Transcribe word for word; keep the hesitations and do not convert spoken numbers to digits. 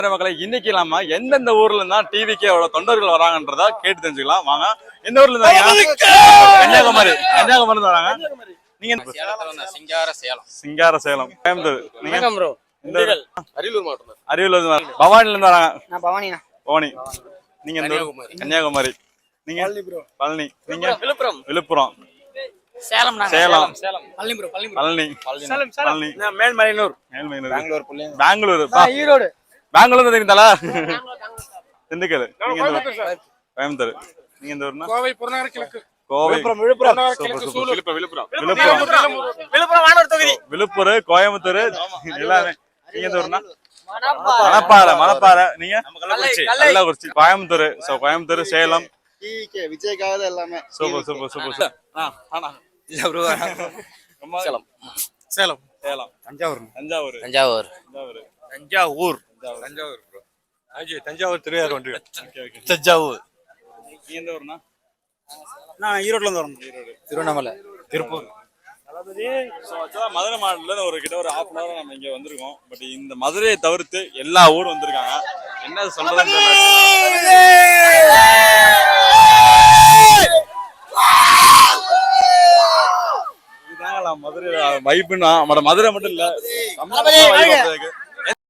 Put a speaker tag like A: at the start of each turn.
A: மக்களை இன்னைக்கு இல்லாம எந்தெந்த ஊர்ல இருந்தா டிவிக்கு எவ்வளவு தொண்டர்கள் வராங்கன்றதா கேட்டு தெரிஞ்சுக்கலாம் வாங்க. எந்த ஊர்ல இருந்தாங்க? கன்னியாகுமரி. கன்னியாகுமரி இருந்து வராங்க. நீங்க
B: சிங்கார சேலம்.
A: சிங்கார சேலம். கோயம்புத்தூர். நீங்க
B: அரியலூர் மாவட்டம்.
A: அரியலூர் இருந்து பவானில இருந்து வராங்க.
C: நான் பவானிண்ணா.
A: பவானி. நீங்க எந்த ஊர்? கன்னியாகுமரி. நீங்க பழனி. நீங்க விழுப்புரம். விழுப்புரம்.
C: சேலம்.
A: சேலம்.
C: பழனி ப்ரோ.
A: பழனி.
C: சேலம்.
A: பழனி.
B: மேல்மலையனூர்.
A: மேல்மலையனூர்.
B: பெங்களூர்.
A: பெங்களூர்.
C: ஈரோடு.
A: பெங்களூர் தெரியுங்களா? திண்டுக்கல். நீங்க எந்த ஊர்? கோயம்புத்தூர். நீங்க எந்த ஊர்னா?
B: கோவை புறநகர் கிழக்கு.
A: கோவை.
B: விழுப்புரம்.
A: விழுப்புரம்.
B: விழுப்புரம்.
A: விழுப்புரம் வானூர் தொகுதி. விழுப்புரம், கோயம்புத்தூர் எல்லாமே. நீங்க எந்த ஊர்னா? மணப்பாறை. மணப்பாறை. நீங்க? கள்ளக்குறிச்சி. கோயம்புத்தூர். சோ கோயம்புத்தூர், சேலம்.
B: டிவிகே விஜய்காக எல்லாமே.
A: Super super super. ஆ ஆனா இல்ல ப்ரோ. சேலம். சேலம். சேலம்.
B: தஞ்சாவூர்.
A: தஞ்சாவூர்.
B: தஞ்சாவூர்.
A: தஞ்சாவூர்.
B: தஞ்சாவூர்.
A: தஞ்சாவூர் ப்ரோ. ஆஜி தஞ்சாவூர் திருவாரூர் வந்து. Okay okay.
B: தஞ்சாவூர்.
A: நீங்க எந்த ஊர்னா?
B: நான் ஈரோட்ல இருந்து வரேன்.
A: ஈரோடு.
B: திருவண்ணாமலை. திருப்பூர்.
A: ஸோ ஆக்சுவலாக மதுரை மாவட்டத்தில் ஒரு கிட்ட ஒரு ஹாஃப் அன் ஹவர் நம்ம இங்கே வந்திருக்கோம். பட் இந்த மதுரையை தவிர்த்து எல்லா ஊரும் வந்திருக்காங்க. என்ன சொல்றதுன்னு தெரியல. இதுதாங்களா மதுரை வைப்புன்னா மதுரை மட்டும் இல்லை.